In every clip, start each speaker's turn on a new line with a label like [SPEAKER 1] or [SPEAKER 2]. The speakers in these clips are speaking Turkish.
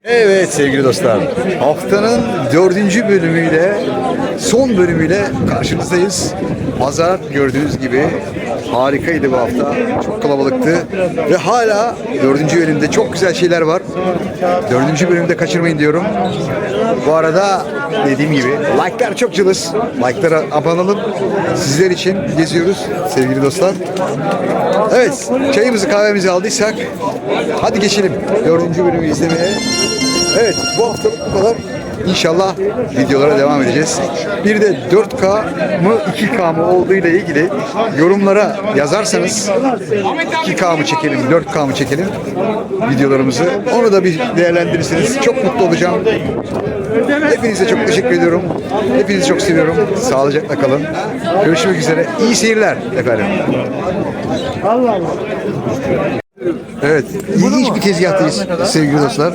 [SPEAKER 1] Evet sevgili dostlar, haftanın 4. bölümüyle, son bölümüyle karşınızdayız. Pazar gördüğünüz gibi harikaydı bu hafta, çok kalabalıktı ve hala 4. bölümde çok güzel şeyler var. 4. bölümde kaçırmayın diyorum. Bu arada dediğim gibi like'lar çok cılız, like'lara abone olun. Sizler için geziyoruz sevgili dostlar. Evet, çayımızı kahvemizi aldıysak hadi geçelim 4. bölümü izlemeye. Evet, bu haftalık bu kadar. İnşallah videolara devam edeceğiz. Bir de 4K mı 2K mı olduğu ile ilgili yorumlara yazarsanız 2K mı çekelim, 4K mı çekelim videolarımızı. Onu da bir değerlendirirseniz çok mutlu olacağım. Hepinize çok teşekkür ediyorum. Hepinizi çok seviyorum. Sağlıcakla kalın. Görüşmek üzere. İyi seyirler efendim. Evet, ilginç bir tezgahtayız sevgili dostlar.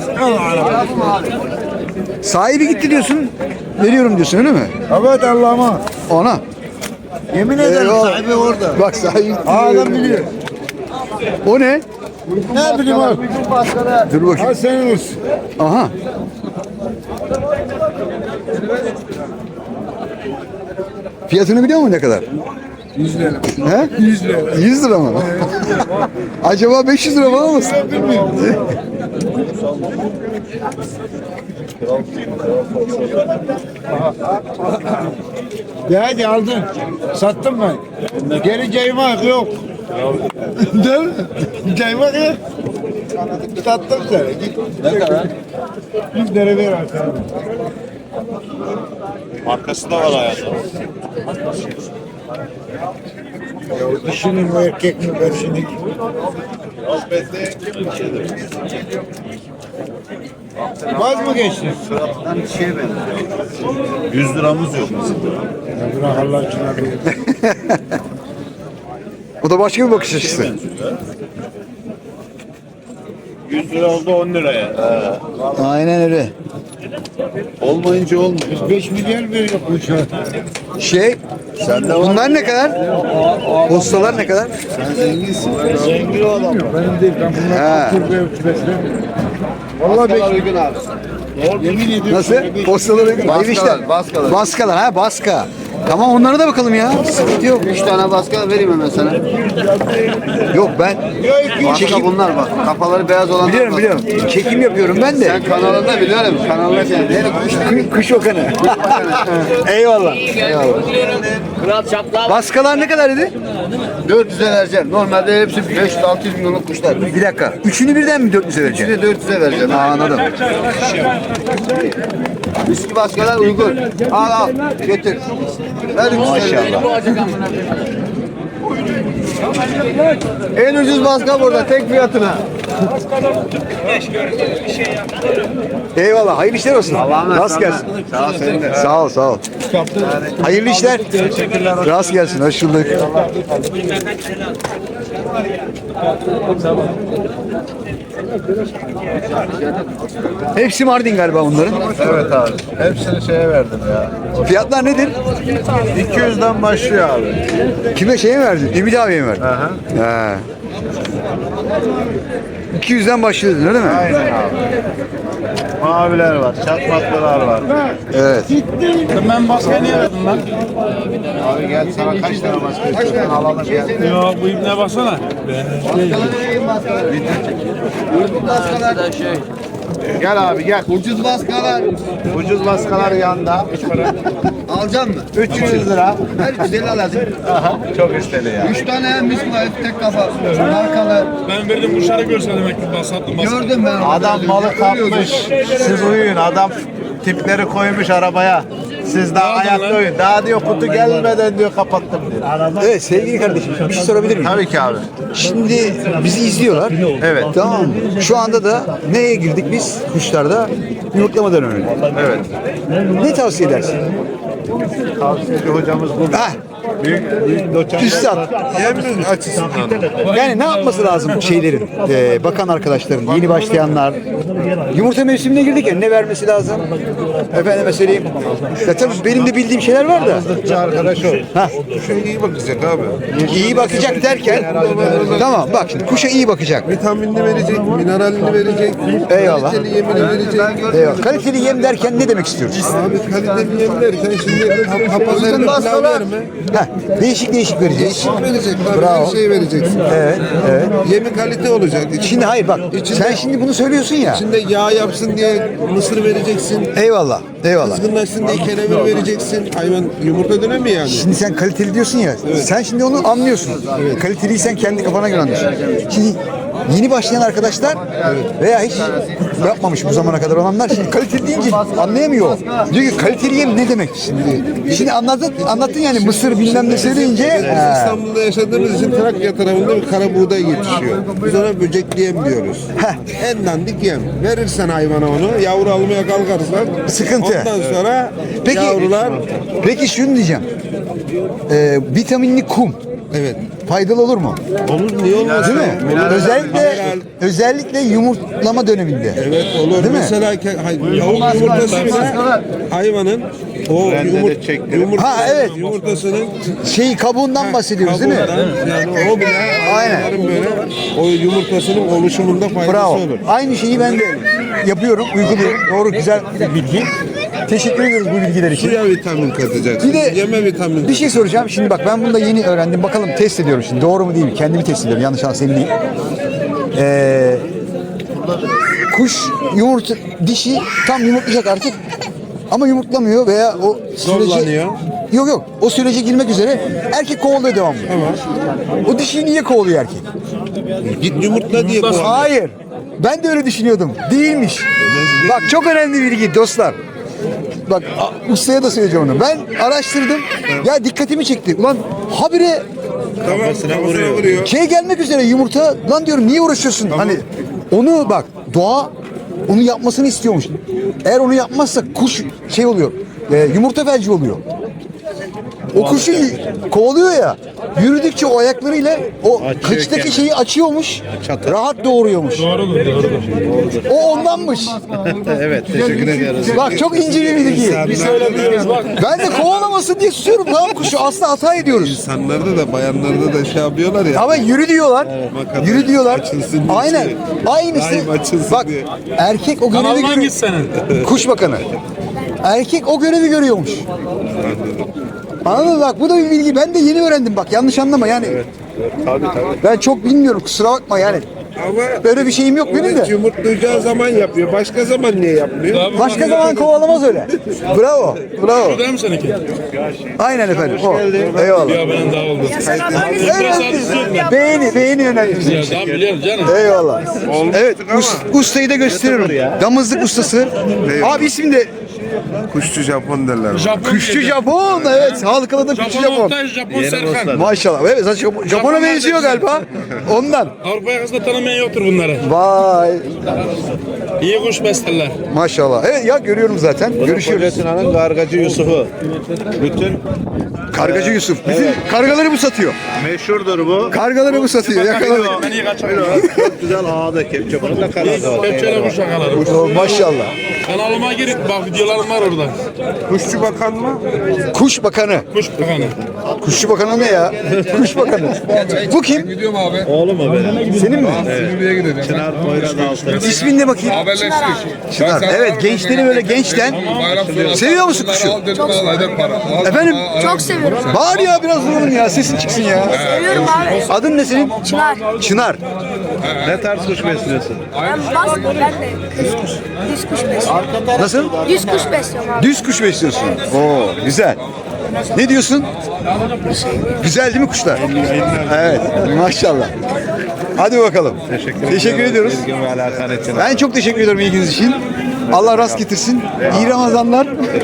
[SPEAKER 1] Sahibi gitti diyorsun, veriyorum diyorsun öyle mi?
[SPEAKER 2] Evet Allah'ıma.
[SPEAKER 1] Ona.
[SPEAKER 2] Yemin ederim sahibi orada.
[SPEAKER 1] Bak sahibi gitti.
[SPEAKER 2] Adam biliyor.
[SPEAKER 1] O ne?
[SPEAKER 2] Ne bileyim abi.
[SPEAKER 1] Dur bakayım.
[SPEAKER 2] Ha senin olsun.
[SPEAKER 1] Aha. Fiyatını biliyor musun ne kadar?
[SPEAKER 2] 100 lira.
[SPEAKER 1] He?
[SPEAKER 2] 100 lira.
[SPEAKER 1] 100 lira mı? Acaba 500 lira falan mısın?
[SPEAKER 2] Ya hadi aldın. Sattım ben. Geri caymak yok. Değil mi? Caymak yok. Sattım seni. Git. Ne kadar? 100 lira ver arkadaşlar.
[SPEAKER 3] Markası da var hayatım.
[SPEAKER 2] Düşünün mü erkek mi ben şimdi? Vaz mı geçti?
[SPEAKER 3] Sıradan şeye benziyor. 100 liramız yok bizim.
[SPEAKER 2] Ya bırak Allah için abi.
[SPEAKER 1] Bu da başka bir bakış açısı.
[SPEAKER 3] 100 lira oldu 10 liraya.
[SPEAKER 1] Aynen öyle.
[SPEAKER 3] Olmayınca olmuyor.
[SPEAKER 2] 5 milyar veriyor bu uçağa.
[SPEAKER 1] Şey, bunlar ne kadar? Postalar ne kadar?
[SPEAKER 3] Sen zenginsin.
[SPEAKER 2] Zengin o adam. Benim değil. Ben bunları
[SPEAKER 1] He.
[SPEAKER 2] Türk ve beslemiyorum. Vallahi beş.
[SPEAKER 3] uygun abi.
[SPEAKER 2] Yemin ediyorum.
[SPEAKER 1] Nasıl? Postaları hayırlı işler.
[SPEAKER 3] baskalar.
[SPEAKER 1] Baskalar ha, baska. Tamam, onlara da bakalım ya. Sıkıntı yok.
[SPEAKER 3] 3 tane baskı vereyim hemen sana.
[SPEAKER 1] Yok, ben
[SPEAKER 3] Baska bunlar bak. Kafaları beyaz olanlar.
[SPEAKER 1] biliyorum
[SPEAKER 3] bak.
[SPEAKER 1] biliyorum. Çekim yapıyorum ben de.
[SPEAKER 3] Sen kanalında biliyorum. Kanalında sen.
[SPEAKER 1] Kuş okanı. Eyvallah. Eyvallah. Baskalar ne kadar dedi?
[SPEAKER 3] 400'e vereceğim. Normalde hepsi 500-600 milyonluk kuşlar.
[SPEAKER 1] Bir dakika. Üçünü birden mi 400'e vereceğim?
[SPEAKER 3] Şimdi 400'e vereceğim.
[SPEAKER 1] Anladım.
[SPEAKER 3] Miski baskalar uygun. Al al. Getir. Ver 300'e.
[SPEAKER 1] Maşallah.
[SPEAKER 3] En ucuz baska burada. Tek fiyatına.
[SPEAKER 1] Eyvallah. Hayırlı işler olsun. Rast gelsin.
[SPEAKER 3] Sağ ol senin de.
[SPEAKER 1] Sağ ol, sağ ol. Hayırlı işler. Rast gelsin. Hoş bulduk. Hepsi Mardin galiba bunların.
[SPEAKER 3] Evet abi. Hepsini şeye verdim ya.
[SPEAKER 1] Fiyatlar nedir?
[SPEAKER 3] 200'den başlıyor abi.
[SPEAKER 1] Kime şeye mi verdin? Ümit abiye mi verdin?
[SPEAKER 3] Aha.
[SPEAKER 1] He. 200'den başlıyordun öyle mi?
[SPEAKER 3] Aynen abi. Maviler var, çatmaklılar var.
[SPEAKER 1] Evet.
[SPEAKER 2] Ben baskı niye verdim lan?
[SPEAKER 3] Abi gel sana kaç tane baska istiyorsan alalım gel.
[SPEAKER 2] Ya bu ibne baksana.
[SPEAKER 3] Gel abi gel. Ucuz baskalar. Ucuz baskalar yanında. Alacak mı? 300 lira. Her 350 alasın. Aha, çok istedi ya. 3 tane hem misk var, tek kafa. Markalı.
[SPEAKER 2] Ben verdim kuşları görse demek ki sattım.
[SPEAKER 3] Gördüm ben.
[SPEAKER 4] Adam malı kapmış. Siz uyuyun. Adam tipleri koymuş arabaya. Siz daha ayakta uyuyun. Daha diyor kutu gelmeden diyor kapattım diyor.
[SPEAKER 1] Evet sevgili kardeşim, bir şey sorabilir miyim?
[SPEAKER 4] Tabii ki abi.
[SPEAKER 1] Şimdi bizi izliyorlar.
[SPEAKER 4] Evet.
[SPEAKER 1] Tamam mı? Şu anda da neye girdik biz kuşlarda? Yumurtlamadan önce.
[SPEAKER 4] Evet.
[SPEAKER 1] Ne tavsiye edersin?
[SPEAKER 4] Tavsiyeci hocamız bu.
[SPEAKER 1] Ah,
[SPEAKER 4] Büyük doçent.
[SPEAKER 1] üstad.
[SPEAKER 4] Yemin açısından.
[SPEAKER 1] Yani ne yapması lazım şeylerin, bakan arkadaşların, yeni başlayanlar, yumurta mevsimine girdik ya, ne vermesi lazım? Efendime söyleyeyim. Ya tabii benim de bildiğim şeyler var da.
[SPEAKER 4] Arkadaş o.
[SPEAKER 5] Kuşa iyi bakacak abi.
[SPEAKER 1] İyi bakacak derken, tamam bak şimdi kuşa iyi bakacak.
[SPEAKER 5] Vitaminini verecek, mineralini verecek.
[SPEAKER 1] Eyvallah.
[SPEAKER 5] Kaliteli yemini verecek.
[SPEAKER 1] Eyvallah. Kaliteli yem derken ne demek istiyoruz?
[SPEAKER 5] Abi kaliteli yem derken şimdi papazlarına pilav verme.
[SPEAKER 1] Heh, değişik değişik vereceğiz.
[SPEAKER 5] Değişik verecek abi.
[SPEAKER 1] Bravo.
[SPEAKER 5] Her şeyi vereceksin.
[SPEAKER 1] Evet, evet.
[SPEAKER 5] Yemi kalite olacak.
[SPEAKER 1] Şimdi hayır bak, sen şimdi bunu söylüyorsun ya.
[SPEAKER 5] İçinde yağ yapsın diye mısır vereceksin.
[SPEAKER 1] Eyvallah, eyvallah.
[SPEAKER 5] Kızgınlaşsın diye kenevir vereceksin. Hayvan yumurta dönemi yani.
[SPEAKER 1] Şimdi sen kaliteli diyorsun ya, sen şimdi onu anlıyorsun. Kaliteliyi sen kendi kafana göre anlıyorsun. Şimdi yeni başlayan arkadaşlar veya hiç yapmamış bu zamana kadar olanlar şimdi kaliteli deyince anlayamıyor. Diyor ki kaliteli yem ne demek şimdi anlattın yani mısır bilmem ne söyleyince.
[SPEAKER 5] Biz İstanbul'da yaşadığımız için Trakya tarafında bir kara buğday yetişiyor. Biz ona böcekli yem diyoruz. En dandik yem. Verirsen hayvana onu, yavru almaya kalkarsan
[SPEAKER 1] Sıkıntı.
[SPEAKER 5] ondan sonra
[SPEAKER 1] Peki,
[SPEAKER 5] yavrular
[SPEAKER 1] peki şunu diyeceğim. Vitaminli kum
[SPEAKER 5] evet.
[SPEAKER 1] faydalı olur mu?
[SPEAKER 5] Olur niye olmaz?
[SPEAKER 1] Değil mi?
[SPEAKER 5] ya?
[SPEAKER 1] Özellikle yumurtlama döneminde.
[SPEAKER 5] Evet olur.
[SPEAKER 1] Değil mi?
[SPEAKER 5] Mesela tavuk yumurtası bile hayvanın o yumurta,
[SPEAKER 1] Ha, evet.
[SPEAKER 5] yumurtasının
[SPEAKER 1] Kabuğundan bahsediyoruz değil mi?
[SPEAKER 5] kabuğundan, yani o bile
[SPEAKER 1] Aynen.
[SPEAKER 5] hayvanların böyle o yumurtasının oluşumunda faydası
[SPEAKER 1] Bravo.
[SPEAKER 5] olur.
[SPEAKER 1] Aynı şeyi ben de yapıyorum, uyguluyorum. Doğru, güzel bir bilgi. Teşekkür ediyoruz bu bilgiler için.
[SPEAKER 5] Suya vitamin katacaksın.
[SPEAKER 1] Bir de
[SPEAKER 5] Yeme vitamin.
[SPEAKER 1] bir şey soracağım. Şimdi bak ben bunu da yeni öğrendim. Bakalım test ediyorum şimdi. Doğru mu değil mi? Kendimi test ediyorum. Yanlış anlasam değil. Kuş dişi tam yumurtlayacak artık. Ama yumurtlamıyor veya o sürece...
[SPEAKER 5] Zorlanıyor.
[SPEAKER 1] Yok. O sürece girmek üzere erkek kovalıyor devamlı. O dişiyi niye kovalıyor erkek?
[SPEAKER 5] Git yumurtla diye bu.
[SPEAKER 1] Hayır. Ben de öyle düşünüyordum. Değilmiş. Bak çok önemli bilgi dostlar. Bak ustaya da söyleyeceğim onu. Ben araştırdım. Ya dikkatimi çekti. Ulan habire
[SPEAKER 5] Kafasına vuruyor.
[SPEAKER 1] gelmek üzere yumurta. Lan diyorum niye uğraşıyorsun? Hani onu bak doğa onu yapmasını istiyormuş. Eğer onu yapmazsa kuş oluyor. Yumurta felci oluyor. O kuşu kovalıyor ya. Yürüdükçe o ayaklarıyla o kıçtaki şeyi açıyormuş. Rahat doğuruyormuş. O ondanmış.
[SPEAKER 4] Evet, teşekkür ediyoruz.
[SPEAKER 1] Bak çok ince bir bilgi. Ben de kovalamasın diye susuyorum. Tamam kuşu aslında hata ediyoruz.
[SPEAKER 5] İnsanlarda da bayanlarda da şey yapıyorlar ya.
[SPEAKER 1] Ama yürü diyorlar. Yürü diyorlar.
[SPEAKER 5] Açılsın diye.
[SPEAKER 1] Aynen. Aynısı.
[SPEAKER 5] Daim açılsın
[SPEAKER 1] Bak
[SPEAKER 5] diye.
[SPEAKER 1] erkek o görevi görüyor. Kuş bakanı. Erkek o görevi görüyormuş. Anladın mı? Bak bu da bir bilgi. Ben de yeni öğrendim bak. Yanlış anlama yani.
[SPEAKER 5] Tabii.
[SPEAKER 1] Ben çok bilmiyorum. Kusura bakma yani.
[SPEAKER 5] Ama
[SPEAKER 1] Böyle bir şeyim yok benim de.
[SPEAKER 5] yumurtlayacağı zaman yapıyor. Başka zaman niye yapmıyor?
[SPEAKER 1] Başka zaman kovalamaz öyle. Bravo. Bravo.
[SPEAKER 6] Değil mi seninki?
[SPEAKER 1] Aynen efendim. O. Eyvallah.
[SPEAKER 6] Ya benim daha oldu.
[SPEAKER 1] Beğeni önemli bizim
[SPEAKER 6] Ya
[SPEAKER 1] için.
[SPEAKER 6] tamam biliyorum canım.
[SPEAKER 1] Eyvallah. Evet, ustayı da gösteriyorum. Damızlık ustası. Abi ismin de
[SPEAKER 5] Kuşçu Japon derler.
[SPEAKER 1] Kuşçu Japon. Evet, halkalı da Kuşçu
[SPEAKER 6] Japon
[SPEAKER 1] Japon.
[SPEAKER 6] Oktay, Japon Serkan.
[SPEAKER 1] Maşallah. Evet, zaten Japon'a benziyor galiba. Ondan.
[SPEAKER 6] Avrupa yakasında tanımayan yoktur bunları.
[SPEAKER 1] Vay.
[SPEAKER 6] İyi kuş beslerler.
[SPEAKER 1] Maşallah. Evet ya görüyorum zaten. Görüşüyoruz.
[SPEAKER 4] Kocasinan'ın gargacı Yusuf'u. Bütün
[SPEAKER 1] Kargacı Yusuf. Bizim kargaları mı satıyor?
[SPEAKER 4] meşhurdur bu.
[SPEAKER 1] Kargaları mı satıyor? Yakaladık.
[SPEAKER 6] Ben iyi kaçarım.
[SPEAKER 4] Çok güzel ağda kepçe. Bunun da kanadı var.
[SPEAKER 6] Pepçele kuş yakalarım.
[SPEAKER 1] Oh, maşallah.
[SPEAKER 6] Kanalıma girin bak videolarım var orada.
[SPEAKER 5] Kuşçu bakan mı?
[SPEAKER 1] Kuş bakanı.
[SPEAKER 6] Kuş bakanı.
[SPEAKER 1] Kuşçu bakanı ne ya? Kuş bakanı. Bu kim?
[SPEAKER 4] Oğlum o benim.
[SPEAKER 1] Senin mi?
[SPEAKER 4] Çınar Poyraz Altın.
[SPEAKER 1] İsmin ne bakayım? Çınar. Evet gençleri böyle gençten. Seviyor musun kuşu? Efendim?
[SPEAKER 7] Çok seviyorum.
[SPEAKER 1] Bağır ya biraz duralım ya sesin çıksın ya.
[SPEAKER 7] Seviyorum abi.
[SPEAKER 1] Adın ne senin?
[SPEAKER 7] Çınar.
[SPEAKER 1] Çınar.
[SPEAKER 4] Ne tarz kuş besliyorsun?
[SPEAKER 7] Ben ben de düz kuş besliyorum.
[SPEAKER 1] Nasıl?
[SPEAKER 7] Düz kuş besliyorum abi.
[SPEAKER 1] Düz kuş besliyorsun. Oo güzel. Ne diyorsun? Güzel değil mi kuşlar? Evet maşallah. Hadi bakalım. Teşekkür ediyoruz.
[SPEAKER 4] İlgin ve alakan için.
[SPEAKER 1] Ben çok teşekkür ediyorum ilginiz için. Allah rast getirsin. İyi Ramazanlar.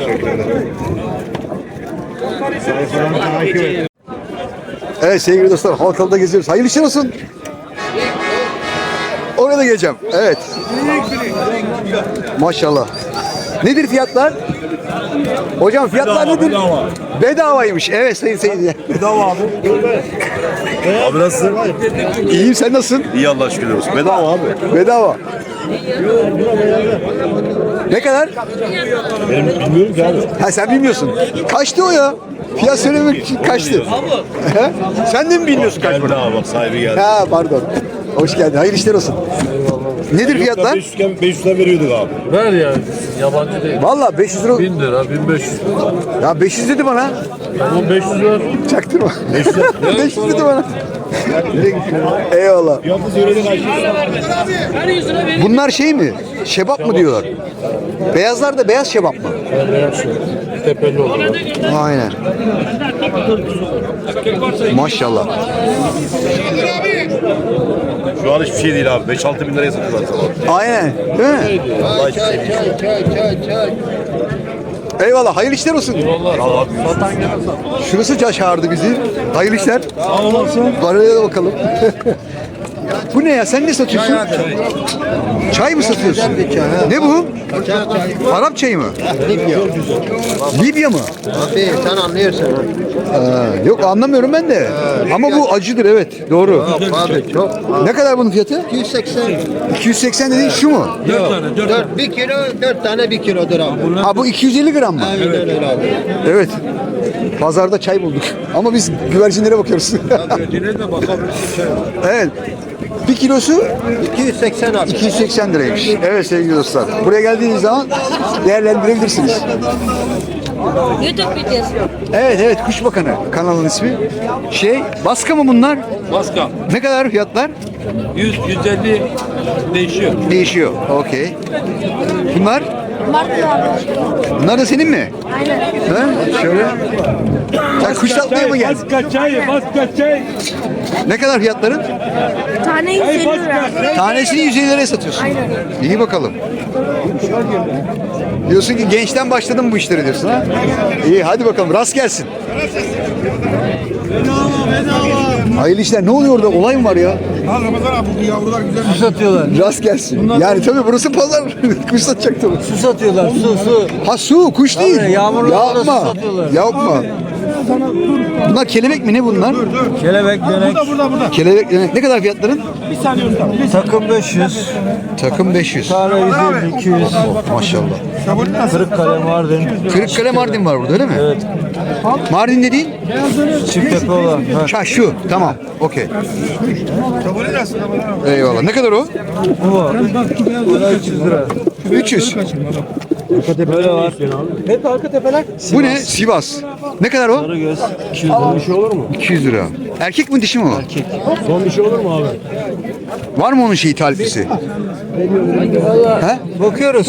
[SPEAKER 1] Evet sevgili dostlar Halkalı'da geziyoruz. Hayırlı işler olsun. Oraya da geleceğim. Evet. Maşallah. Nedir fiyatlar? Hocam fiyatlar nedir? Bedavaymış. Evet sayın seyirciler.
[SPEAKER 8] Bedava abi. Abi nasılsın?
[SPEAKER 1] İyiyim sen nasılsın?
[SPEAKER 8] İyi Allah şükürler olsun. Bedava abi.
[SPEAKER 1] Bedava. Ne kadar?
[SPEAKER 8] Benim bilmiyorum ki abi.
[SPEAKER 1] Ha sen bilmiyorsun. Kaçtı o ya? Fiyat söylemek için kaçtı. He? Sen de mi bilmiyorsun kaç
[SPEAKER 8] Geldi
[SPEAKER 1] para?
[SPEAKER 8] abi bak sahibi geldi.
[SPEAKER 1] Ha pardon. Hoş geldin. Hayırlı işler olsun. Nedir fiyatlar?
[SPEAKER 8] 500'den veriyorduk abi.
[SPEAKER 6] Ver ya. Yabancı değil.
[SPEAKER 1] Valla 500 lira.
[SPEAKER 6] 1000 lira, 1500 lira.
[SPEAKER 1] Ya 500 dedi bana.
[SPEAKER 6] Tamam 500 lira.
[SPEAKER 1] Çaktırma. 500 dedi bana. Eyvallah.
[SPEAKER 8] Fiyatı söyledik Ayşe.
[SPEAKER 1] Bunlar şey mi? Şebap mı diyorlar? Beyazlar da beyaz şebap mı?
[SPEAKER 6] Tepeli olur.
[SPEAKER 1] Aynen. Maşallah.
[SPEAKER 8] Şu an hiçbir şey değil abi. 5-6 bin liraya satıyorlar sabah.
[SPEAKER 1] Aynen. Değil mi?
[SPEAKER 8] Vallahi hiçbir şey değil.
[SPEAKER 1] Eyvallah. Hayırlı işler olsun.
[SPEAKER 8] Al abi.
[SPEAKER 1] Şurası çağırdı bizi. Hayırlı işler. Paraya da bakalım. Bu ne ya? Sen ne satıyorsun? Çay mı satıyorsun? Ne bu? Arap çayı mı? Libya mı?
[SPEAKER 3] Abi sen anlıyorsun.
[SPEAKER 1] Yok anlamıyorum ben de. Ama bu acıdır evet. Doğru.
[SPEAKER 3] Abi çok.
[SPEAKER 1] Ne kadar bunun fiyatı?
[SPEAKER 3] 280.
[SPEAKER 1] 280 dediğin şu mu?
[SPEAKER 3] 1 kilo 4 tane 1 kilodur abi.
[SPEAKER 1] Ha bu 250 gram mı?
[SPEAKER 3] Aynen öyle abi.
[SPEAKER 1] Evet. Pazarda çay bulduk. Ama biz güvercinlere bakıyoruz. Evet. Bir kilosu
[SPEAKER 3] 280 abi.
[SPEAKER 1] 280 liraymış. Evet sevgili dostlar. Buraya geldiğiniz zaman değerlendirebilirsiniz.
[SPEAKER 7] YouTube videosu.
[SPEAKER 1] Evet evet Kuş Bakanı kanalın ismi. Baska mı bunlar?
[SPEAKER 6] Baska.
[SPEAKER 1] Ne kadar fiyatlar?
[SPEAKER 6] 100, 150 değişiyor.
[SPEAKER 1] Değişiyor. Okey. Bunlar?
[SPEAKER 7] Martı abi.
[SPEAKER 1] Bunlar da senin mi?
[SPEAKER 7] Aynen.
[SPEAKER 1] Ha? Şöyle. Sen kuş satmaya mı geldin?
[SPEAKER 8] Baska çay.
[SPEAKER 1] Ne kadar fiyatların?
[SPEAKER 7] Tane 150 lira.
[SPEAKER 1] Tanesini 150 liraya satıyorsun.
[SPEAKER 7] Aynen.
[SPEAKER 1] İyi bakalım. Diyorsun ki gençten başladım bu işleri diyorsun ha? İyi hadi bakalım rast gelsin. Hayırlı işler. Ne oluyor orada? Olay mı var ya?
[SPEAKER 2] Ramazan abi bu yavrular güzel.
[SPEAKER 9] Su satıyorlar.
[SPEAKER 1] Rast gelsin. Yani tabii burası pazar. Kuş satacak tabii.
[SPEAKER 9] Su satıyorlar. Su.
[SPEAKER 1] Ha su, kuş değil.
[SPEAKER 9] Tabii, yağmurlu havada su
[SPEAKER 1] Yapma.
[SPEAKER 9] satıyorlar.
[SPEAKER 1] Yapma. Bunlar kelebek mi ne bunlar?
[SPEAKER 9] Kelebek, dönek.
[SPEAKER 1] Kelebek demek. Ne kadar fiyatların?
[SPEAKER 9] Takım 500.
[SPEAKER 1] Takım 500.
[SPEAKER 9] Tane 150, 200.
[SPEAKER 1] Maşallah.
[SPEAKER 9] Kırıkkale, Mardin.
[SPEAKER 1] Kırıkkale Mardin var burada öyle mi?
[SPEAKER 9] Evet.
[SPEAKER 1] Mardin dediğin?
[SPEAKER 9] Çifttepe olan. Ha.
[SPEAKER 1] Ha şu. Tamam. Okey. Eyvallah. Ne kadar o?
[SPEAKER 9] Bu var. Bu da 300 lira.
[SPEAKER 1] 300.
[SPEAKER 9] Böyle var. Hep arka tepeler.
[SPEAKER 1] Bu ne? Sivas. Ne kadar o?
[SPEAKER 9] Sarıgöz. 200 lira. Bir şey olur mu?
[SPEAKER 1] 200 lira. Erkek mi dişi mi o?
[SPEAKER 9] Erkek. Son bir şey olur mu abi?
[SPEAKER 1] Var mı onun taliplisi? He?
[SPEAKER 9] Bakıyoruz.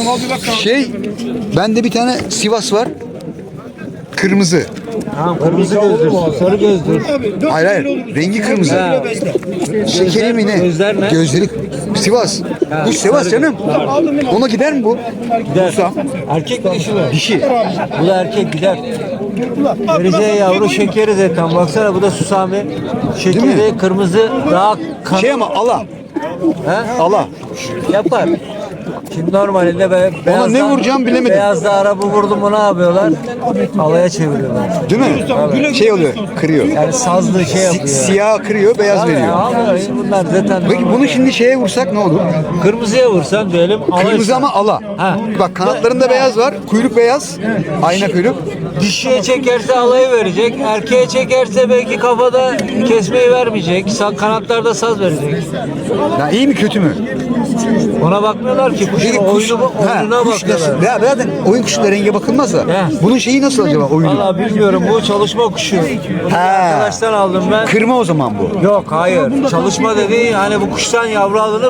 [SPEAKER 1] Bende bir tane Sivas var. Kırmızı.
[SPEAKER 9] Tamam, kırmızı gözdür. Sarı gözdür.
[SPEAKER 1] Hayır hayır. Rengi kırmızı.
[SPEAKER 9] Ha.
[SPEAKER 1] Şekeri mi ne?
[SPEAKER 9] Gözler ne?
[SPEAKER 1] Gözleri Sivas. Bu Sivas canım. Ona gider mi bu?
[SPEAKER 9] Gider. Erkek mi dişi mi?
[SPEAKER 1] Dişi.
[SPEAKER 9] Bu da erkek gider. Vereceği yavru şekeri zaten. Baksana bu da susami.
[SPEAKER 1] Değil
[SPEAKER 9] Şekeri kırmızı daha kan.
[SPEAKER 1] Ama ala.
[SPEAKER 9] He?
[SPEAKER 1] Ala.
[SPEAKER 9] Yapar. Şimdi normalinde beyazda,
[SPEAKER 1] ne vuracağım bilemedim.
[SPEAKER 9] Beyazda araba vurdum mu ne yapıyorlar? Alaya çeviriyorlar.
[SPEAKER 1] Değil mi? Oluyor. Kırıyor.
[SPEAKER 9] Yani sazlı şey yapıyor.
[SPEAKER 1] Siyah kırıyor, beyaz veriyor.
[SPEAKER 9] Abi, bunlar zaten
[SPEAKER 1] Peki bunu şimdi vursak ne olur?
[SPEAKER 9] kırmızıya vursan diyelim.
[SPEAKER 1] Kırmızı ama ala.
[SPEAKER 9] Ha.
[SPEAKER 1] Bak kanatlarında beyaz var. Kuyruk beyaz. Ayna kuyruk.
[SPEAKER 9] Dişiye çekerse alayı verecek. Erkeğe çekerse belki kafada kesmeyi vermeyecek. Kanatlarda saz verecek.
[SPEAKER 1] Ya iyi mi kötü mü?
[SPEAKER 9] Ona bakmıyorlar ki. Kuşun
[SPEAKER 1] Peki
[SPEAKER 9] oyununa
[SPEAKER 1] kuş
[SPEAKER 9] bakıyorlar.
[SPEAKER 1] nasıl? Ya zaten oyun kuşuyla renge bakılmaz da.
[SPEAKER 9] He.
[SPEAKER 1] Bunun şeyi nasıl acaba oyunu?
[SPEAKER 9] Valla bilmiyorum. Bu çalışma kuşu.
[SPEAKER 1] He.
[SPEAKER 9] Arkadaştan aldım ben.
[SPEAKER 1] Kırma o zaman bu.
[SPEAKER 9] Yok hayır. Çalışma dediği hani bu kuştan yavru alınıp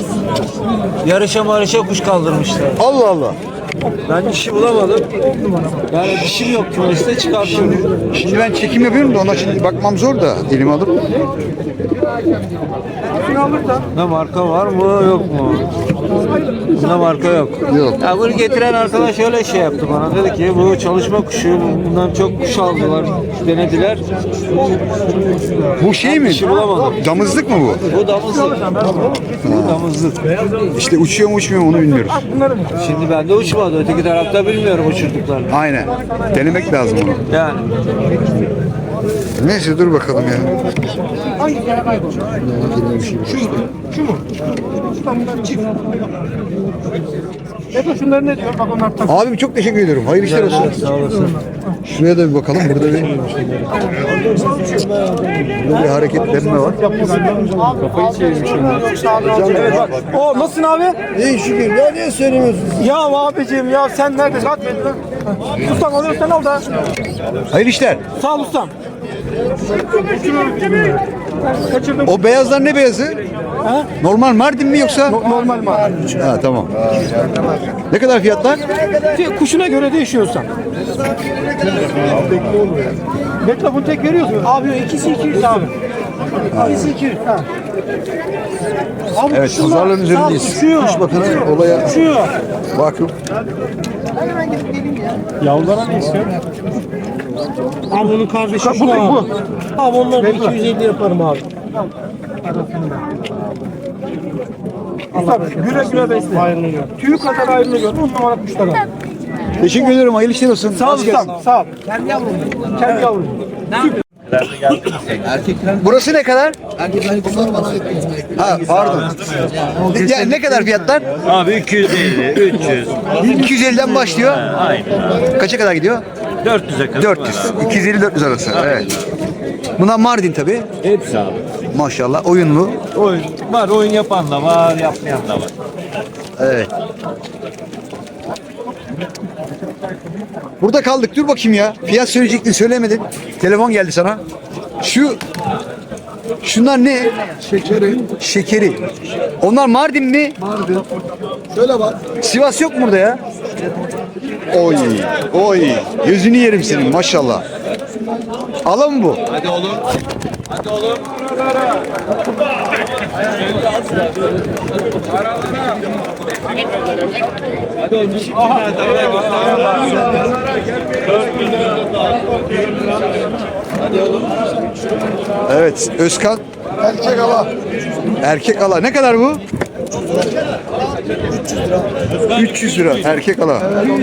[SPEAKER 9] yarışa kuş kaldırmışlar.
[SPEAKER 1] Allah Allah.
[SPEAKER 9] Ben dişi bulamadım. Yani dişim yok kümeste çıkardım.
[SPEAKER 1] Şimdi ben çekim yapıyorum da ona şimdi bakmam zor da elime alıp.
[SPEAKER 9] Ne marka var mı yok mu? Bunda marka yok.
[SPEAKER 1] Yok.
[SPEAKER 9] Ya bunu getiren arkadaş öyle şey yaptı bana. Dedi ki bu çalışma kuşu. Bundan çok kuş aldılar. Denediler.
[SPEAKER 1] Bu şey mi?
[SPEAKER 9] Dişi bulamadım.
[SPEAKER 1] Damızlık mı bu?
[SPEAKER 9] Bu damızlık. Bu damızlık.
[SPEAKER 1] İşte uçuyor mu uçmuyor mu onu bilmiyoruz.
[SPEAKER 9] Şimdi bende uçmadı. Öteki tarafta bilmiyorum uçurduklarını.
[SPEAKER 1] Aynen. Denemek lazım onu.
[SPEAKER 9] Yani.
[SPEAKER 1] Neyse dur bakalım ya.
[SPEAKER 2] Şunlar ne diyor? Bak onlar
[SPEAKER 1] Abim çok teşekkür ediyorum. Hayırlı işler olsun. Sağ olasın. Şuraya da bir bakalım. Burada bir hareketlenme var.
[SPEAKER 2] O nasılsın abi? İyi şükür. Ya niye söylemiyorsun? Ya abicim ya sen neredesin? Atmadın lan. Ustam alıyorsan al da.
[SPEAKER 1] Hayırlı işler.
[SPEAKER 2] Sağ ol ustam.
[SPEAKER 1] O beyazlar ne beyazı? Normal Mardin mi yoksa?
[SPEAKER 2] Normal mi?
[SPEAKER 1] Ha tamam. Ne kadar fiyatlar?
[SPEAKER 2] Kuşuna göre değişiyor ustam. Bekle bunu tek veriyorsun. Abi ikisi 200 abi. İkisi 200. Ha. Abi,
[SPEAKER 1] Evet, pazarlığın üzerindeyiz. Kuş bakana olaya vakıf.
[SPEAKER 2] Yavrulara ne istiyor? Abi bunun kardeşi şu bu. Abi onları 250 yaparım abi. Abi güle güle besle. Ayrını gör. Tüyü kadar ayrını gör. 10 numara kuşlar abi.
[SPEAKER 1] Teşekkür ediyorum. Hayırlı işler olsun.
[SPEAKER 2] Sağ ol ustam. Sağ ol. Kendi yavrum. Kendi yavrum.
[SPEAKER 1] Burası ne kadar? Ha pardon. Ya, ne kadar fiyatlar?
[SPEAKER 10] Abi 250, 300,
[SPEAKER 1] 250'den başlıyor.
[SPEAKER 10] aynen.
[SPEAKER 1] Kaça kadar gidiyor?
[SPEAKER 10] 400'e kadar.
[SPEAKER 1] 400. 250-400 arası. Evet. Bunlar Mardin tabii.
[SPEAKER 10] Hepsi abi.
[SPEAKER 1] Maşallah. Oyunlu.
[SPEAKER 10] Oyun var, oyun yapan da var, yapmayan da var.
[SPEAKER 1] Evet. Burada kaldık. Dur bakayım ya. Fiyat söyleyecektin, söylemedin. Telefon geldi sana. Şunlar ne? Şekeri. Onlar Mardin mi? Mardin. Şöyle bak. Sivas yok mu burada ya? Oy. Oy. Gözünü yerim senin maşallah. Alalım bu.
[SPEAKER 10] Hadi oğlum. Hadi oğlum.
[SPEAKER 1] Evet. Özkan. Erkek ala. Erkek ala. Ne kadar bu? 300 lira. Erkek ala.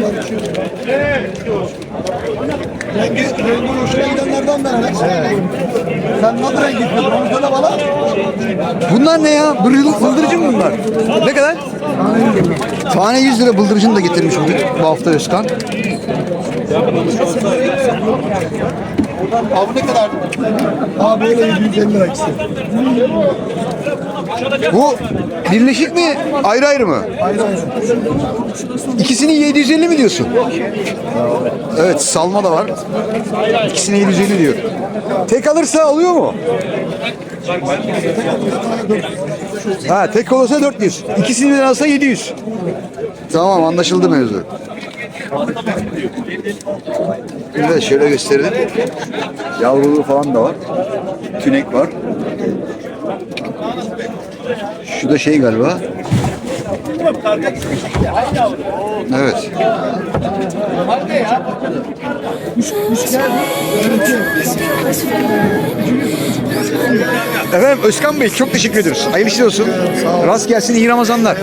[SPEAKER 2] Sen nasıl renk istiyorsun? Onu söyle bana.
[SPEAKER 1] Bunlar ne ya? Bıldırıcı mı bunlar? Ne kadar? Tane 100 lira bıldırıcını da getirmiş bu hafta Özkan.
[SPEAKER 2] Abi ne kadar? Abi böyle 750 lira istiyor.
[SPEAKER 1] Bu birleşik mi? Ayrı ayrı mı?
[SPEAKER 2] Ayrı ayrı.
[SPEAKER 1] İkisini 750 mi diyorsun? Evet, salma da var. İkisini 750 diyor. Tek alırsa oluyor mu? Ha, tek olursa 400. İkisini de alsa 700. Tamam, anlaşıldı mevzu. Evet, şöyle gösterelim. Yavruluğu falan da var. Tünek var. Şu da şey galiba. Evet. Efendim Özkan Bey çok teşekkür ederiz. Hayırlı işler olsun. Rast gelsin, iyi Ramazanlar.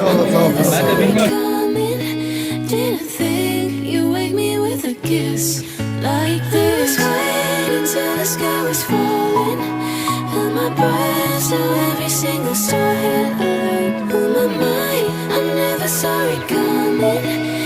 [SPEAKER 11] Sorry coming.